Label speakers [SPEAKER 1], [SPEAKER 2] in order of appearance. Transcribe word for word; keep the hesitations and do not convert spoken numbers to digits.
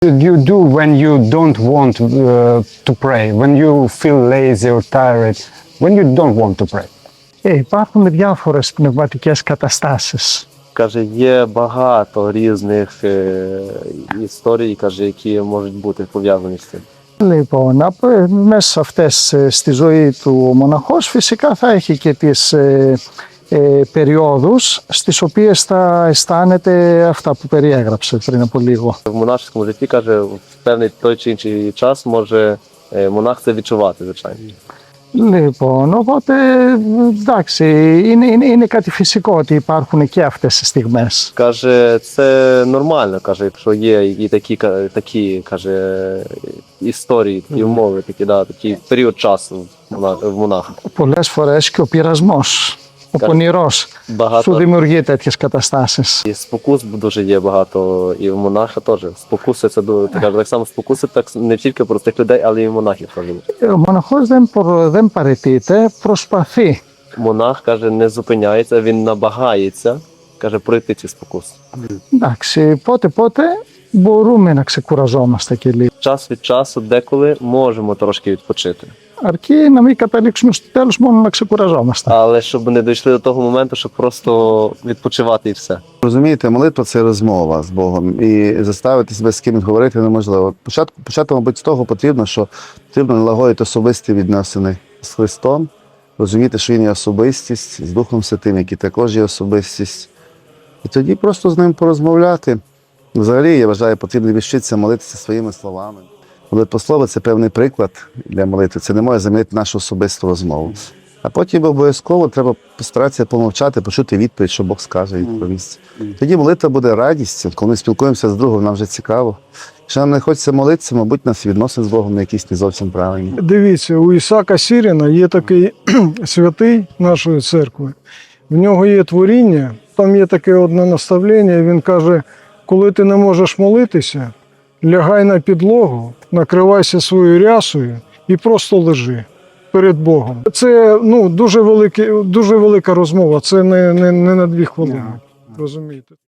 [SPEAKER 1] You do when you don't want uh, to pray, when you feel lazy or tired, when you don't want to pray.
[SPEAKER 2] Ε, υπάρχουν διάφορες πνευματικές καταστάσεις.
[SPEAKER 3] Каже, є багато різних е, історій, каже, які можуть бути пов'язані з цим.
[SPEAKER 2] Λοιπόν, από, μέσα σε αυτές ε, στη ζωή του ο μοναχός φυσικά θα έχει και τις ε, ε, περιόδους στις οποίες θα αισθάνεται αυτά που περιέγραψε πριν από λίγο.
[SPEAKER 3] В монашескому житті, каже, в певний той чи інший час може е, монах це відчувати, звичайно.
[SPEAKER 2] Λοιπόν, οπότε εντάξει, είναι, είναι, είναι κάτι фυσικό ότι υπάρχουν και αυτές τις στιγμές.
[SPEAKER 3] Каже, це нормально, каже, якщо є і такі, ка- такі каже, історії, такі умови, такі, да, такий період часу в мона- в монаха.
[SPEAKER 2] Πολλές φορές και ο πειρασμός, ο
[SPEAKER 3] Κα-
[SPEAKER 2] πονηρός σου
[SPEAKER 3] Багато
[SPEAKER 2] δημιουργεί τέτοιες καταστάσεις.
[SPEAKER 3] і спокус дуже є багато, і в монаха теж. Спокуси це дуже, каже, так само спокуси так не тільки простих людей, але і в монахів теж.
[SPEAKER 2] Ο μοναχός δεν, προ- δεν παραιτείται, προσπαθεί.
[SPEAKER 3] Монах, каже, не зупиняється, він намагається, каже, пройти ці спокуси.
[SPEAKER 2] Εντάξει, πότε πότε μπορούμε να ξεκουραζόμαστε και λίγο.
[SPEAKER 3] Час від часу деколи можемо трошки відпочити.
[SPEAKER 2] Αρκεί να μην καταλήξουμε στο τέλος μόνο να ξεκουραζόμαστε.
[SPEAKER 3] Але щоб не дійшли до того моменту, щоб просто відпочивати і все.
[SPEAKER 4] Розумієте, молитва це розмова з Богом, і заставити себе з кимось говорити неможливо. Початку, почати, мабуть, з того потрібно, що потрібно налагодити особисті відносини з Христом, розуміти, що Він є особистість, з Духом Святим, який також є особистість. І тоді просто з ним порозмовляти. Взагалі, я вважаю, потрібно відчитися молитися своїми словами. Молитвослово – це певний приклад для молитви. Це не може замінити нашу особисту розмову. А потім обов'язково треба постаратися помовчати, почути відповідь, що Бог скаже, відповість. Тоді молитва буде радістю, коли ми спілкуємося з другом, нам вже цікаво. Якщо нам не хочеться молитися, мабуть, нас відносини з Богом не якісь не зовсім правильні.
[SPEAKER 5] Дивіться, у Ісака Сіріна є такий святий нашої церкви. В нього є творіння, там є таке одне наставлення, він каже, коли ти не можеш молитися, лягай на підлогу, накривайся своєю рясою і просто лежи перед Богом. Це ну, дуже, велике, дуже велика розмова, це не, не, не на дві хвилини, розумієте.